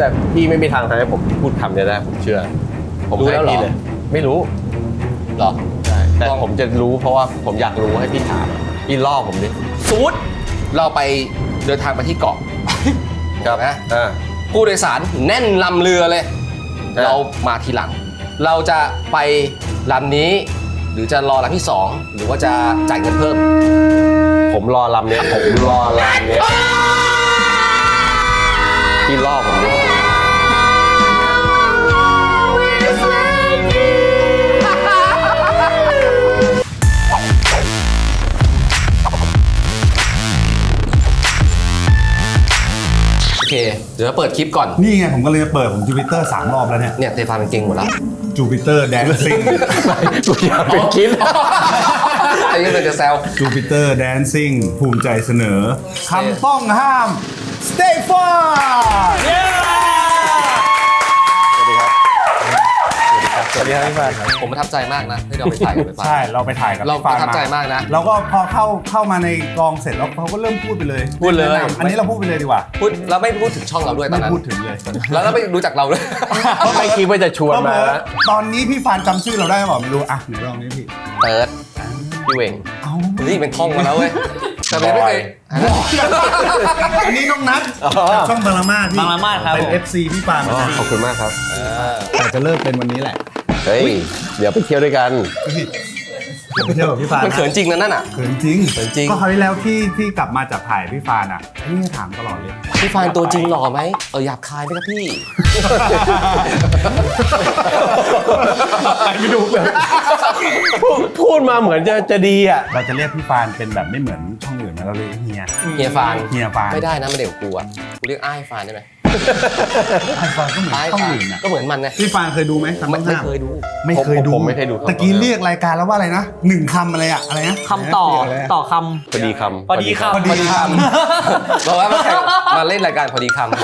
แต่พี่ไม่มีทางทำให้ผมพูดคำนี้ได้ผมเชื่อผมให้พี่เลยไม่รู้หรอใช่แต่ผมจะรู้เพราะว่าผมอยากรู้ให้พี่ถามพี่ล่อผมดิสมมติเราไปเดินทางไปที่เกาะครับนะผู้โดยสารแน่นลำเรือเลยเรามาทีหลังเราจะไปลำนี้หรือจะรอลำที่2หรือว่าจะจ่ายเงินเพิ่มผมรอลำเนี้ยผมรอลำเนี้ยพี่ล่อผมดิโอเคเดี๋ยวเปิดคลิปก่อนนี่ไงผมก็เลยเปิดผมจูปิเตอร์3 รอบแล้วเนี่ยเตฟานเป็นเก่งหมดแล้วจูปิเตอร์แดนซิ่งกูอยากเป็นคลิปอันนี้เป็นจะแซวจูปิเตอร์แดนซิ่งภูมิใจเสนอคำต้องห้าม Stay far สวัสดีครับพี่ฟานผมประทับใจมากนะที่เราไปถ่ายกับพี่ฟานใช่เราไปถ่ายกับเราประทับใจมากนะแล้วก็พอเข้ามาในกองเสร็จแล้วเขาก็เริ่มพูดไปเลยอันนี้เราพูดไปเลยดีกว่าพูดเราไม่พูดถึงช่องเราด้วยตอนนั้นไม่พูดถึงเลยแล้วเราไม่รู้จักเราด้วยไม่คิดว่าจะชวนมาตอนนี้พี่ฟานจำชื่อเราได้หรือเปล่าไม่รู้อ่ะไหนลองนี้พี่เติร์ดพี่เวงนี่เป็นท่องมาแล้วเว้ยแต่ไม่เคยอันนี้น้องนัทช่องบางละมาดบางละมาดครับเป็น FC พี่ฟานขอบคุณมากครับแต่จะเลิกเป็นวันนี้แหละเฮ้ยเดี๋ยวไปเที่ยวด้วยกันไปเที่ยวกับพี่ฟานมันเขินจริงนะนั่นอ่ะเขินจริงก็คราวที่แล้วที่กลับมาจากถ่ายพี่ฟานอ่ะนี่ถามตลอดเลยพี่ฟานตัวจริงหล่อไหมหยาบคายไหมครับพี่ไม่ดูเลยพูดมาเหมือนจะดีอ่ะเราจะเรียกพี่ฟานเป็นแบบไม่เหมือนช่องอื่นนะเราเรียกเฮียฟานไม่ได้นะมันเด็กกูอ่ะกูเรียกอ้ายฟานได้ไหมไอ้ฟานก็เหมือนช่องอื่นนะก็เหมือนมันนะพี่ฟานเคยดูไหมไม่เคยดูผมไม่เคยดูตะกี้เรียกรายการแล้วว่าอะไรนะ1 คำอะไรอะไรนะคำต่อคำพอดีคำบอกว่ามาเล่นรายการพอดีคำ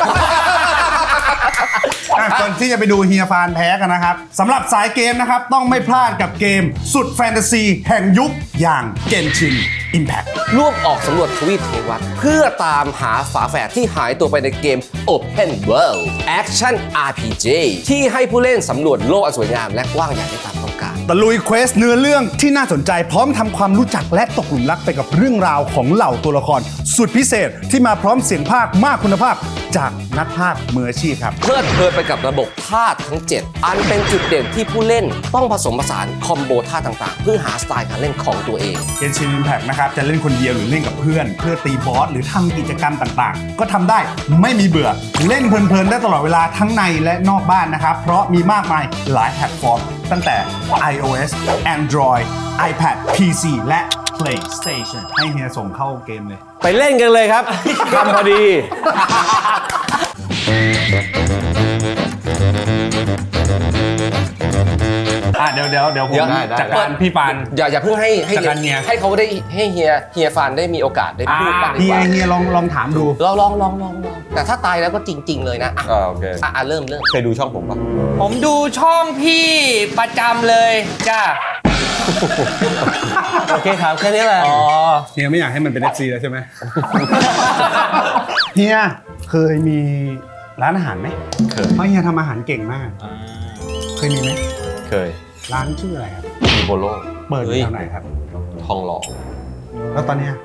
ก่อนที่จะไปดูเฮียฟานแพ้กันนะครับสำหรับสายเกมนะครับต้องไม่พลาดกับเกมสุดแฟนตาซีแห่งยุคอย่าง Genshin Impact ร่วมออกสำรวจทวีปเทวัตเพื่อตามหาฝาแฝดที่หายตัวไปในเกม Open World Action RPG ที่ให้ผู้เล่นสำรวจโลกอันสวยงามและกว้างใหญ่ได้ตามต้องการตะลุยเควสเนื้อเรื่องที่น่าสนใจพร้อมทำความรู้จักและตกหลุมรักไปกับเรื่องราวของเหล่าตัวละครสุดพิเศษที่มาพร้อมเสียงภาคมากคุณภาพจากนักพากย์มืออาชีพครับเพลิดเพลินไปกับระบบท่าทั้ง 7 อันเป็นจุดเด่นที่ผู้เล่นต้องผสมผสานคอมโบท่าต่างๆเพื่อหาสไตล์การเล่นของตัวเอง Genshin Impact นะครับจะเล่นคนเดียวหรือเล่นกับเพื่อนเพื่อตีบอสหรือทำกิจกรรมต่างๆก็ทำได้ไม่มีเบื่อเล่นเพลินๆได้ตลอดเวลาทั้งในและนอกบ้านนะครับเพราะมีมากมายหลายแพลตฟอร์มตั้งแต่ iOS Android iPad PC และ PlayStation ให้เฮียส่งเข้าเกมเลยไปเล่นกันเลยครับทำพอดีเดี๋ยวผมจัดการพี่ฟานอย่าเพิ่งให้เขาได้ให้เฮียฟานได้มีโอกาสได้พูดบ้างดีกว่าเฮียลองถามดูลองแต่ถ้าตายแล้วก็จริงๆเลยนะโอเคเริ่มเคยดูช่องผมปะผมดูช่องพี่ประจำเลยจ้าโอเคครับแค่นี้แหละเฮียไม่อยากให้มันเป็น FC แล้วใช่ไหมเฮียเคยมีร้านอาหารไหมเคยเพราะเฮียทำอาหารเก่งมากเคยมีไหมเคยร้านชื่ออะไรครับมีโบโลเปิดอยู่แถวไหนครับทองหล่อแล้วตอนเนี้ย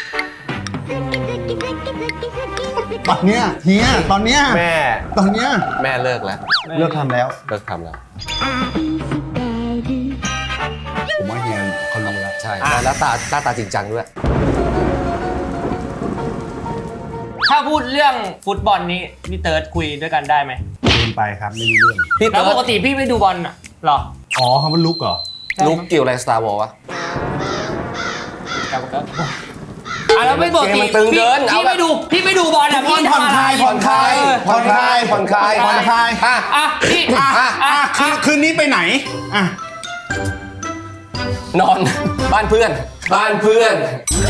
เฮียตอนเนี้ยแม่เลิกแล้วเลิกทำแล้วผมว่าเฮียเขารู้แล้วใช่แล้วตาจริงจังด้วยถ้าพูดเรื่องฟุตบอลนี้พี่เติร์ดคุยด้วยกันได้ไหมเดินไปครับไม่รู้เรื่องแล้วปกติพี่ไม่ดูบอลหรออ๋อเขาเป็นลุกเหรอลุกเกี่ยวอะไรสตาร์วอลวะแล้วไม่บอกพี่ไม่ดูบอลพี่ผ่อนคลายคืนนี้ไปไหนนอนบ้านเพื่อนผ่อนคลาย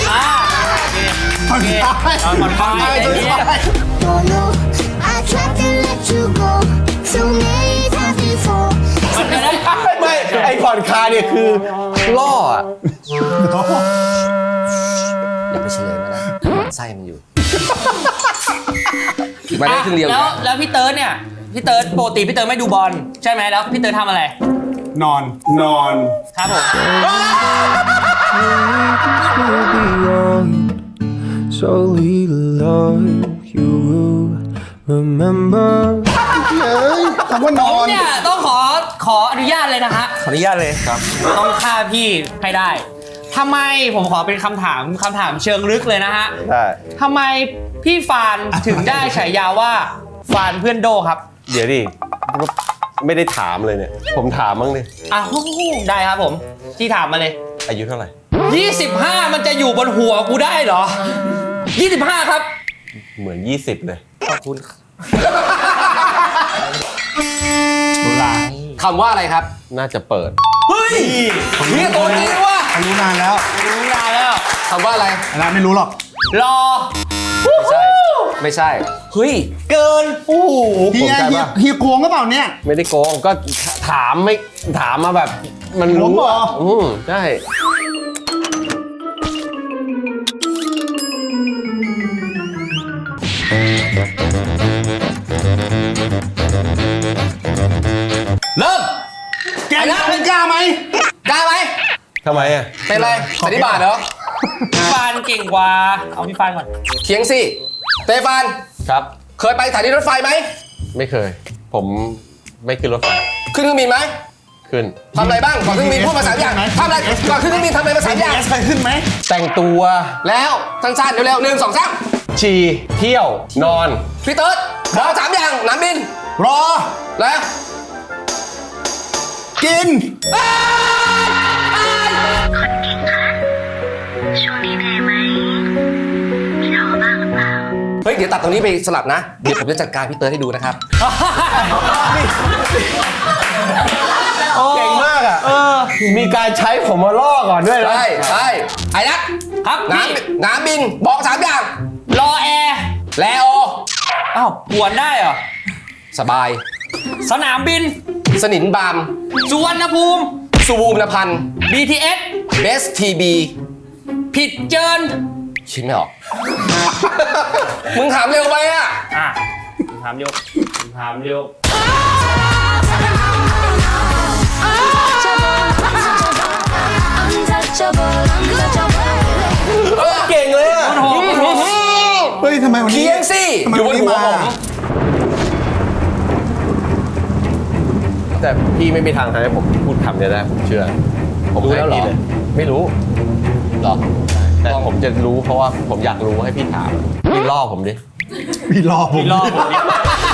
ไม่ไอผ่อนคลายเนี่ยคือล่ออย่าไปเฉลยมันนะไส้มันอยู่มาได้ครึ่งเดียวแล้วพี่เติร์ดเนี่ยพี่เติร์ดปกติพี่เติร์ดไม่ดูบอลใช่ไหมแล้วพี่เติร์ดทำอะไรนอนครับผม So little love you will remember. คำว่านผอมนเนี่ยต้องขออนุญาตเลยนะฮะขออนุญาตเลยครับต้องฆ่าพี่ให้ได้ทำไมผมขอเป็นคำถามเชิงลึกเลยนะฮะได้ทำไมพี่ฟานถึงได้ฉายาว่าฟานเพื่อนโดครับเดี๋ยวดิไม่ได้ถามเลยเนี่ย ผมถามบ้างดิอ้าวได้ครับผมที่ถามมาเลยอายุเท่าไหร่ 25 มันจะอยู่บนหัวกูได้เหรอ 25 ครับเหมือน 20 เลยขอบคุณโบราณคำว่าอะไรครับน่าจะเปิดเฮ้ยนี่ตัวจริงว่ะรู้นานแล้วรู้นานแล้วคำว่าอะไรอันนั้นไม่รู้หรอกรอไม่ใช่ เฮ้ยเกินโอ้โหเฮียผมใจเฮียปะเฮียโกงก็เปล่าเนี่ยไม่ได้โกงก็ถามไม่ถามมาแบบ มันรู้ผมเหรอใช่เริ่มแกเป็นกล้าไหมกล้าไหมทำไมอ่ะเป็นไรสันนิบาตเหรอพี่ฟานเก่งกว่า เอาพี่ฟานก่อนเถียงสิเตฟานครับเคยไปสถานีรถไฟไหมไม่เคย ผมไม่ขึ้นรถไฟขึ้นเครื่องบินไหมขึ้นทำอะไรบ้างก่อนขึ้นเครื่องบินพูดมาสามอย่างทำอะไรก่อนขึ้นเครื่องบินทำอะไรมาสามอย่างเอสเคยขึ้นไหมแต่งตัวแล้วสั้นๆเร็วๆ1 2 3 ฉี่เที่ยว นอนพี่เติร์ดบอก3อย่างหนามบินรอแล้วกินช่วงนี้เหนื่อยไหมมีท้อบ้างหรือเปล่าเฮ้ยเดี๋ยวตัดตรงนี้ไปสลับนะ เดี๋ยวผมจะจัดการพี่เติร์ดให้ดูนะครับเก่งมากอ่ะมีการใช้ผมมาล่อก่อนด้วยนะใช่ไอ้นัทครับหนามพี่หนามบินบอก3อย่างรอแอร์แล้วอ้าวปวนได้เหรอสบายสนามบินสนินบามสุวรรณภูมิสุวูมนพันธ์ BTS เบสทีบีผิดเจินคิดไม่ออก มึงถามเร็วไปอ่ะอ่ะถามเร็วถามเร็วเก่งเลยอ่ะเฮ้ยทำไมวันนี้เทียงสิทำไมอยู่บวันนนี้หัวมาผมแต่พี่ไม่มีทางทำให้ผมพูดคำเนี้ยได้ผมเชื่อ ผมให้พี่เลย ไม่รู้เหรอแต่ผมจะรู้เพราะว่าผมอยากรู้ให้พี่ถามพี่ล่อผมดิพี่รอผมพี่รอผมดิ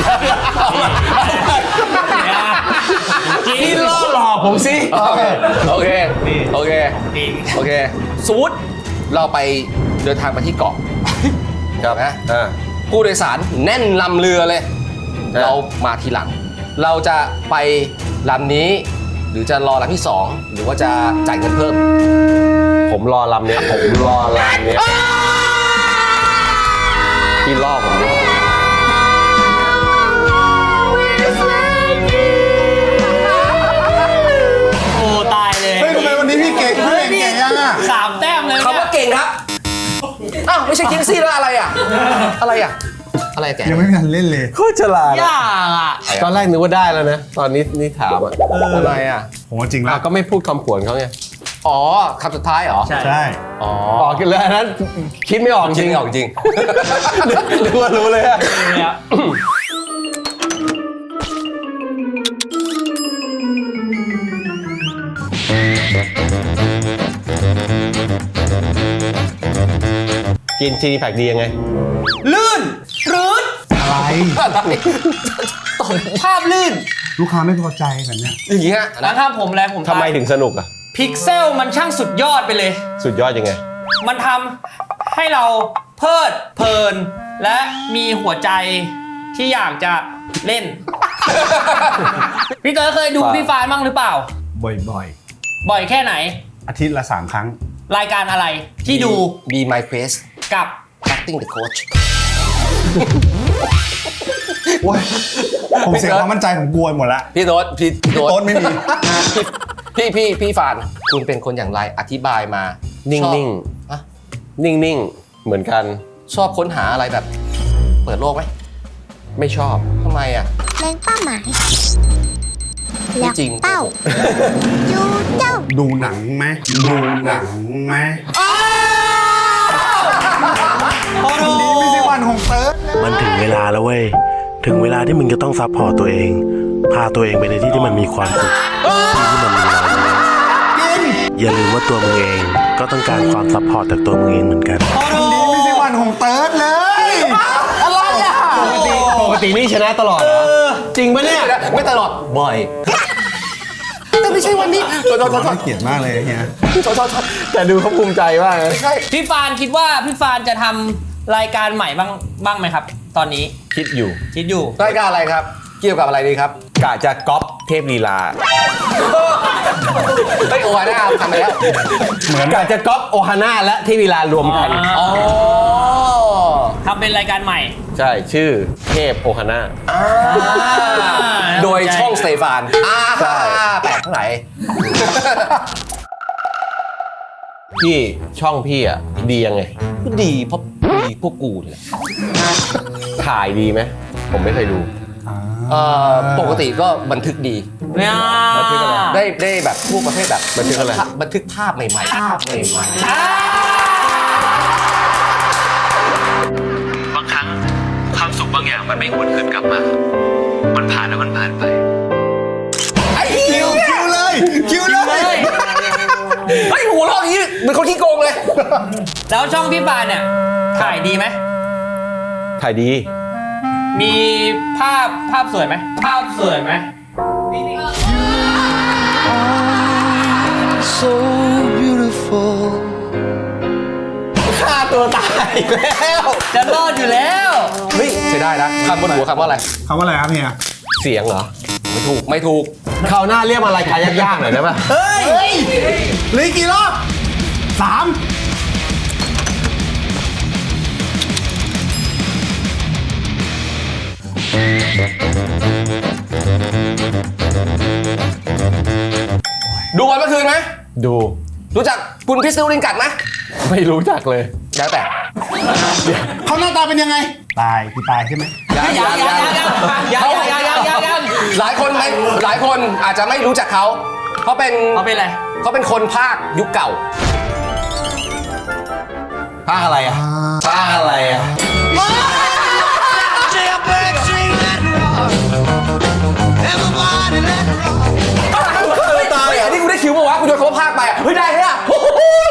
จริงพี่ล่อหลอกผมสิโอเค โอเค โอเคจริงโอเคสมมุติเราไปเดินทางไปที่เกาะครับนะอ่าผู้โดยสารแน่นลำเรือเลยครับเรามาทีหลัง เราจะไปลำนี้ หรือจะรอลำที่ 2 หรือว่าจะจ่ายเงินเพิ่มผมรอลำเนี้ยผมรอลำเนี้ยพี่ล่อผมดิโอ้ตายเลยเฮ้ยทำไมวันนี้พี่เก่งพี่เก่งยังอ่ะ 3 แต้มเลยคำว่าเก่งครับ อ้าว ไม่ใช่คิงซี่แล้วอะไรอ่ะ อะไรอ่ะ อะไรแกยังไม่ทันเล่นเลยโคตรฉลาดยากอ่ะตอนแรกนึกว่าได้แล้วนะ ตอนนี้นี่ถามอ่ะอะไรอ่ะผมว่าจริงแล้อ่ะวก็ไม่พูดคำผวนเขาไงอ๋อคำสุดท้ายเหรอใช่ใช่อ๋อออกกันเลยอันนั้นคิดไม่ออกจจริริงงออกจริงนึกว่ารู้เลยอะเลยอะกินชีนีแพคดียังไงลื่นรืดอะไรภาพลื่นลูกค้าไม่พอใจแบบเนี้ยอย่างงี้ฮะแล้วถ้าผมแล้วผมทำไมถึงสนุกอ่ะพิกเซลมันช่างสุดยอดไปเลยสุดยอดยังไงมันทำให้เราเพลิดเพลิน และมีหัวใจที่อยากจะเล่น พี่เต๋อเคยดูฟานพี่ฟานบ้างหรือเปล่าบ่อยบ่อยแค่ไหนๆ อาทิตย์ละ 3 ครั้งรายการอะไรที่ดู Be My Quest กับ Acting the Coach โอ้ยผมเสียความมั่นใจผมกลัวหมดละพี่โต๊ดพี่โต๊ดไม่มีพี่ฟานคุณเป็นคนอย่างไรอธิบายมานิ่ชอบงฮะๆ นิ่งๆ เหมือนกันชอบค้นหาอะไรแบบเปิดโลกไหมไม่ชอบทำไมอ่ะเล็งเป้าหมายไม่แล้วจริงเป้าจูเจ้าดูหนังไหมดูหนังไหมโอ้โหนี่ไม่ใช่วันของเติร์ดมันถึงเวลาแล้วเว้ย ถึงเวลาที่มึงจะต้องซัพพอร์ตตัวเอง พาตัวเองไปในที่ที่มันมีความสุขที่ที่มันมีรอยยิ้มอย่าลืมว่าตัวมึงเองก็ต้องการความซัพพอร์ตจากตัวมึงเองเหมือนกันนี่ไม่ใช่วันของเติร์ดเลยอะไรอ่ะปกตินี่ชนะตลอดเหรอจริงปะเนี่ยไม่ตลอด บ่อย แต่ไม่ใช่วันนี้โทษน่าเกลียดมากเลยเฮียแต่ดูเขาภูมิใจมากนะไม่ใช่พี่ฟานคิดว่าพี่ฟานจะทำรายการใหม่บ้างไหมครับ ตอนนี้คิดอยู่คิดอยู่รายการอะไรครับ เกี่ยวกับอะไรดีครับกะจะก๊อปเทพลีลาเฮ้ยโอ้ยนะทำไปแล้วเหมือนกะจะก๊อปโอฮาน่าและเทพลีลารวมกันอ๋อทำเป็นรายการใหม่ใช่ ชื่อเทพโอฮาน่าโดยช่องสเตฟานแปลกเท่าไหร่พี่ช่องพี่อ่ะดียังไงดีเพราะดีพวกกูนี่แหละถ่ายดีไหมผมไม่เคยดูปกติก็บันทึกดีเนี่ยได้แบบพวกประเภทแบบบันทึกอะไรบันทึกภาพใหม่ๆภาพใหม่บางครั้งความสุขบางอย่างมันไม่หวนคืนกลับมา มันผ่านแล้วมันผ่านไปๆไอ้คิวเลยคิวเลยไอ้หัวเราะอย่างนี้เหมือนคนขี้โกงเลยแล้วช่องพี่ฟานเนี่ยถ่ายดีไหมถ่ายดีมีภาพสวยไหมภาพสวยไหม So beautiful. ฆ่าตัวตายแล้วจะรอดอยู่แล้วเฮ้ยใช่ได้นะคำบนหัวคำว่าอะไรคำว่าอะไรครับเฮียเสียงเหรอไม่ถูกคราวหน้าเรียกมารายการยากๆหน่อยได้ปะเฮ้ยเหลืออกกี่รอบ3 ดูบอลเมื่อคืนไหมดูรู้จักคุณพิสตูลินกัดไหมไม่รู้จักเลยแล้วแต่เขาหน้าตาเป็นยังไง ตายคือตายใช่ไหมยังหลายคนอาจจะไม่รู้จักเขาเขาเป็นเขาเป็นอะไรเขาเป็นคนภาคยุคเก่าภาคอะไรอ่ะภาคอะไรอ่ะตายอ่ะนี่กูได้คิวมาวะกูโดนเขาภาคไปอ่ะเฮ้ยได้เหรอโอ้ย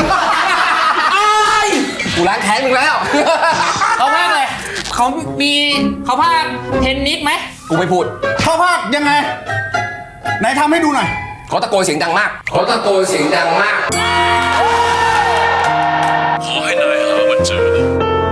กูล้างแค้นมึงแล้วเขาภาคอะไรเขาภาคเทนนิสไหมกูไม่พูดเขาภาคยังไง ไหนทำให้ดูหน่อยเขาตะโกนเสียงดังมากเขาตะโกนเสียงดังมากขอให้นายหามันเจอนะ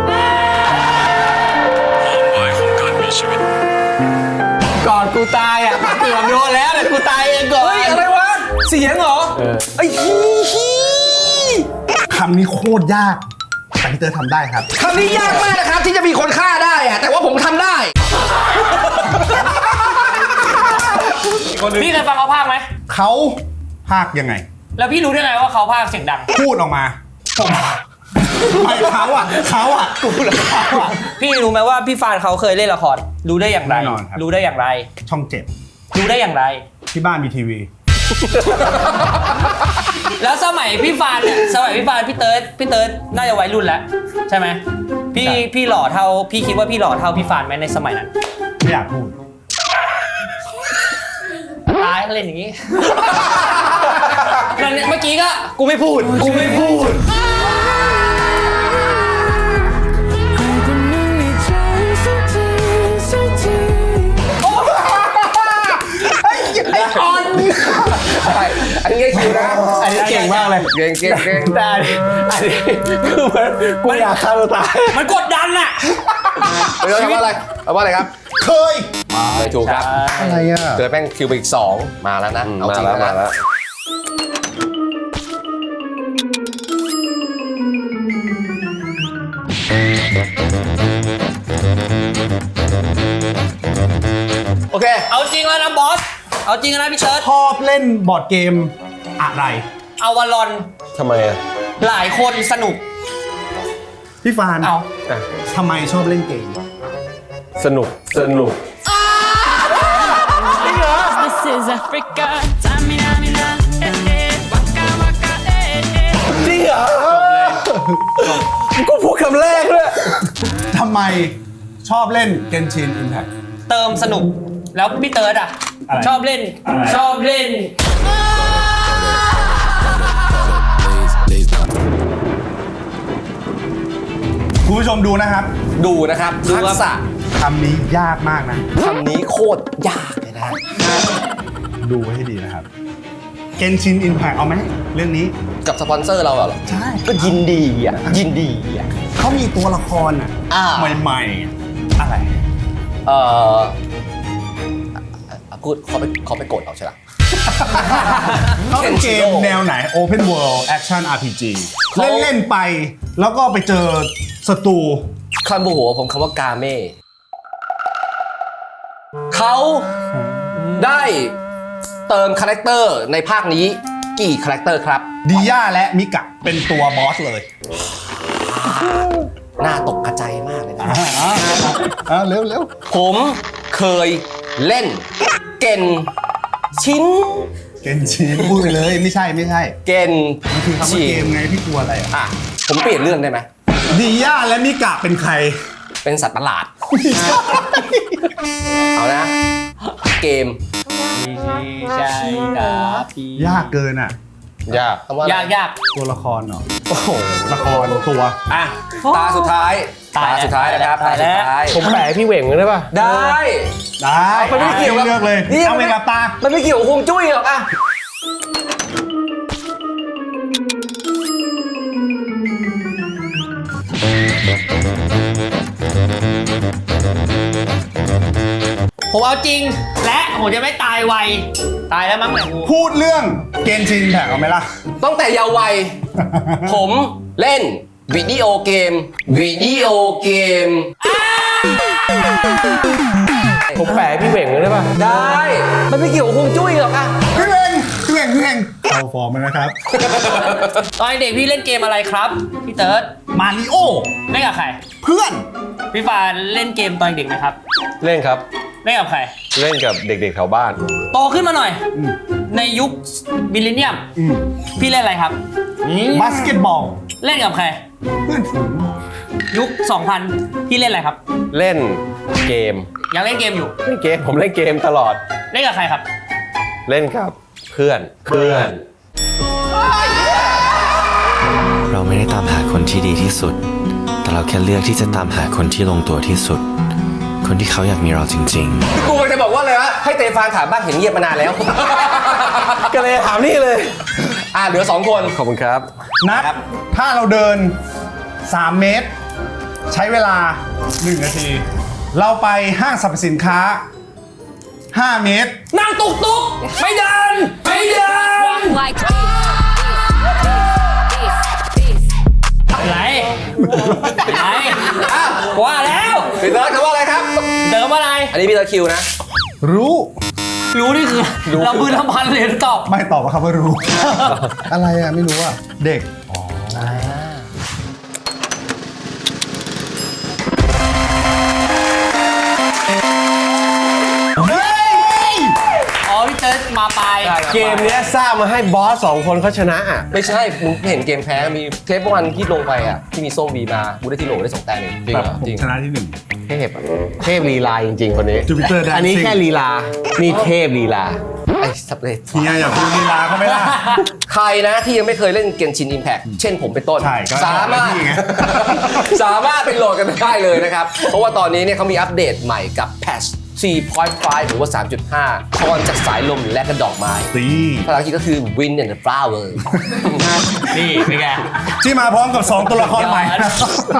ความหมายของการมีชีวิตก่อนกูตายอ่ะเกือบโดนแล้วแต่กูตายเองก่อนเฮ้ยอะไรวะเสียงเหรอไอ้ฮีคำนี้โคตรยากแต่พี่เตอร์ทำได้ครับคำนี้ยากมากนะครับที่จะมีคนฆ่าได้อะแต่ว่าผมทำได้พี่เคยฟังเขาภาคไหมเขาภาคยังไงแล้วพี่รู้ได้ไงว่าเขาภาคเสียงดังพูดออกมาผมไม่เขาอ่ะกูเหรอเขาอ่ะพี่รู้ไหมว่าพี่ฟานเขาเคยเล่นละครรู้ได้อย่างไรแน่นอนครับรู้ได้อย่างไรช่อง7 รู้ได้อย่างไรที่บ้านมีทีวีแล้วสมัยพี่ฟานเนี่ยพี่เติร์ดน่าจะวัยรุ่นแล้วใช่ไหมพี่หล่อเท่าพี่คิดว่าพี่หล่อเท่าพี่ฟานไหมในสมัยนั้นไม่อยากพูดตายเขาเล่นอย่างนี้ นั่นเนี่ยเมื่อกี้ก็กูไม่พูดอันนี้คิวนะอันนี้เก่งมากเลยเก่งแต่อันนี้คือมันกูอยากฆ่าตัวตายมันกดดันอะเดี๋ยวคำว่าอะไรคำว่าอะไรครับเคยไม่ถูกครับอะไรอ่ะเจอแป้งคิวไปอีก2มาแล้วนะเอาจริงแล้วนะโอเคเอาจริงแล้วนะบอสเอาจริงแล้วนะพี่เติร์ดชอบเล่นบอร์ดเกมอะไรเอาวอลลอนทำไมอ่ะหลายคนสนุกพี่ฟานเอาทำไมชอบเล่นเกมสนุก This is Africa. Tamina, mina, waka, waka, จริงเหรอกูพูดคำแรกด้วยทำไมชอบเล่น Genshin Impact เติมสนุกแล้วพี่เติร์ดอ่ะอะไรชอบเล่นอะไรชอบเล่นคุณผู้ชมดูนะครับดูนะครับดูครับทักษะคำนี้ยากมากนะคำนี้โคตรยากเลยนะดูไว้ให้ดีนะครับ Genshin Impact เอาไหมเรื่องนี้กับสปอนเซอร์เราเหรอใช่ก็ยินดีอ่ะ ยินดีอ่ะเขามีตัวละครใหม่ๆ อะไรพูดเขาไปกดเอาใช่ไหมเขาเป็นเกมแนวไหน Open World Action RPG เล่นๆไป แล้วก็ไปเจอศัตรูคำโมโหผมคำว่ากาเม่เขาได้เติมคาแรคเตอร์ในภาคนี้กี่คาแรคเตอร์ครับดิย่าและมิกะเป็นตัวบอสเลยน่าตกกระใจมากเลยนะเร็วผมเคยเล่นเกนชินเกนชินพูดไปเลยไม่ใช่เกนมันคือคำว่าชิเกนมไงพี่กลัวอะไรอ่ะผมเปลี่ยนเรื่องได้ไหมดิย่าและมิกะเป็นใครเป็นสัตว์ประหลาด เอานะ เกมใช่ครับพี่ยากเกินอ่ะยากคำว่าอะไรยากตัวละครเหรอโอ้โหละครตัวอ่ะตาสุดท้ายตายตาแล้วสุดท้ายนะครับตายแล้วตสุดท้ายผมแปะให้พี่เหว่งได้ป่ะได้ได้มันไม่เกี่ยวกับเลือกเลยนี่เอาไปกับตามันไม่เกี่ยวกับฮวงจุ้ยหรอกอ่ะผมเอาจริง และผมจะไม่ตายไว ตายแล้วมั้งแหละกูพูดเรื่องเกนชินแท็กเอาไหมล่ะตั้งแต่เยาว์วัย ผมเล่นวิดีโอเกมผมแปะให้พี่เหว่งได้ป่ะได้ มันไม่เกี่ยวกับฮวงจุ้ยหรอกอ่ะพี่เวงเข้าฟอร์มแล้วนะครับตอนเด็กพี่เล่นเกมอะไรครับ พี่เติร์ดมาริโอเล่นกับใครเพื่อนพี่ฟานเล่นเกมตอนเด็กไหมครับเล่นครับเล่นกับใครเล่นกับเด็กๆแถวบ้านโตขึ้นมาหน่อย ในยุคมิลเลนเนียม พี่เล่นอะไรครับบาสเกตบอลเล่นกับใครเพื่อนฝูงยุค 2000 พี่เล่นอะไรครับเล่นเกมยังเล่นเกมอยู่ผมเล่นเกมตลอดเล่นกับใครครับเล่นกับเพื่อนเราไม่ได้ตามหาคนที่ดีที่สุด แต่เราแค่เลือกที่จะตามหาคนที่ลงตัวที่สุด คนที่เขาอยากมีเราจริงๆกูจะบอกว่าอะไรวะให้เตฟานถามบ้างเห็นเงียบมานานแล้วก็เลยถามนี่เลยเหลือ 2 คนขอบคุณครับนัดถ้าเราเดิน 3 เมตร ใช้เวลา 1 นาที เราไปห้างสรรพสินค้า 5 เมตรนั่งตุกตุกไม่เดิน ไม่เดิน like this. อะไรอะไรว่าแล้วพี่เติร์ดคำว่าอะไรครับเดินว่าอะไรอันนี้พี่เติร์ดคิวนะรู้รู้นี่คือเราบืนลำพันเลยตอบไม่ตอบว่าคำว่ารู้ อะไรอ่ะ ไม่รู้อ่ะ เด็กอ๋อพี่เติร์ดมาปลายเกมเนี้ยสร้างมาให้บอส2 คนเขาชนะอ่ะไม่ใช่มึงเห็นเกมแพ้มีเทปวันที่ลงไปอ่ะที่มีส้มวีมากูได้ที่โหลได้2 แต้มเองจริงเหรอผมชนะที่เทพอะเทพลีลาจริงๆคนนี้ Jupiter Dancing อันนี้แค่ลีลา นี่เทพลีลาไอ้สับเลย 1 เฮียอยากพูดลีลาเขาไหมล่ะใครนะที่ยังไม่เคยเล่นเกมชิน Impact เช่นผมเป็นต้นใช่ก็สามารถนี่ไงสามารถไปโหลดกันได้เลยนะครับ เพราะว่าตอนนี้เนี่ยเขามีอัปเดตใหม่กับ Patch 4.5 หรือว่า 3.5 พรจากสายลมและกระดอกไม้ตีภาษาอังกฤษก็คือ Wind and the Flower นี่เป็นไงที่มาพร้อมกับ 2 ตัวละครใหม่นะ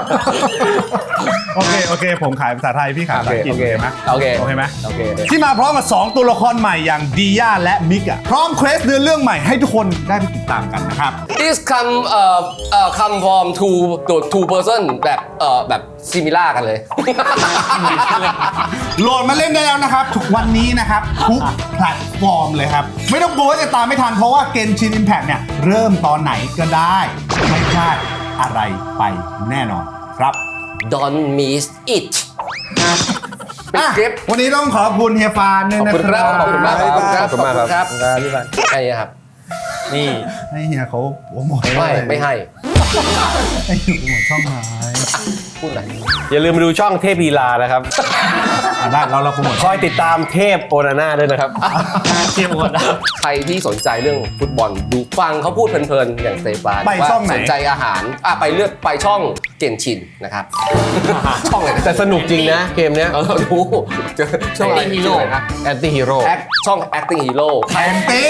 โอเค ผมขายภาษาไทย พี่ขายภาษาอังกฤษโอเคไหมโอเคโอเคไหมโอเคที่มาพร้อมกับ 2 ตัวละครใหม่อย่างดีย่าและมิกอะพร้อมเควสเนื้อเรื่องใหม่ให้ทุกคนได้ไปติดตามกันนะครับ This come from two person แบบ similar กันเลยโหลดมาเล่นได้แล้วนะครับ ทุกวันนี้นะครับ ทุกแพลตฟอร์มเลยครับ ไม่ต้องกลัวว่าจะตามไม่ทันเพราะว่า Genshin Impact เนี่ย เริ่มตอนไหนก็ได้ ไม่พลาดอะไรไปแน่นอนครับ Don't miss it ปิดคลิปวันนี้ต้องขอบคุณเฮียฟานด้วยขอบนะคุณคครัรับบขอบคุณมากครับขอบคุณมากครับพี่บันให้ครับนี่ให้เฮียเขาโปรโมทไม่ให้ให้โปรโมทช่องไหนพูดหน่อยอย่าลืมมาดูช่องเทพลีลานะครับได้เราโปรโมทคอยติดตามเทพโอนาน่าด้วยนะครับเทียมกันนะใครที่สนใจเรื่องฟุตบอลดูฟังเขาพูดเพลินๆอย่างสเตฟานไปช่องไหนว่าสนใจอาหารไปช่องเก่นชินนะครับ ช่องอะไรนะแต่สนุกจริงนะเกมเนี้ยเรารู้ช่องอะไร Acting Hero ชื่ออะไรนะแอนตี้ฮีโร่ช่อง acting hero แอนตี้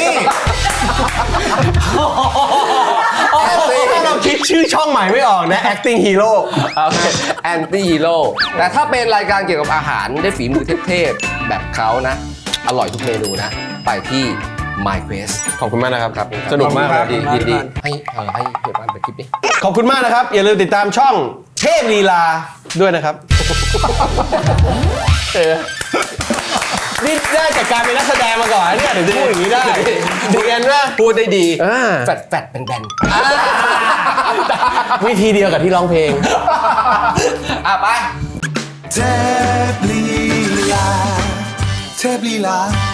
ถ้าเราคิดชื่อช่องใหม่ไม่ออกนะ acting hero โอเค anti hero แต่ถ้าเป็นรายการเกี่ยวกับอาหารได้ฝีมือเทพๆแบบเขานะ อร่อยทุกเมนูนะ ไปที่ My Quest ขอบคุณมากนะครับครับสนุกมากเลยยินดีให้เห็นบ้านไปคลิปนี้ขอบคุณมากนะครับ อย่าลืมติดตามช่องเทพลีลาด้วยนะครับ นี่ได้จากการเป็นนักแสดงมาก่อนเนี่ยถึงจะพูดอย่างนี้ได้ดีกันว่าพูดได้ดีอ่าแฟดเป็นแบนวิธีเดียวกับที่ร้องเพลงไปเทพลีลาเทพลีลา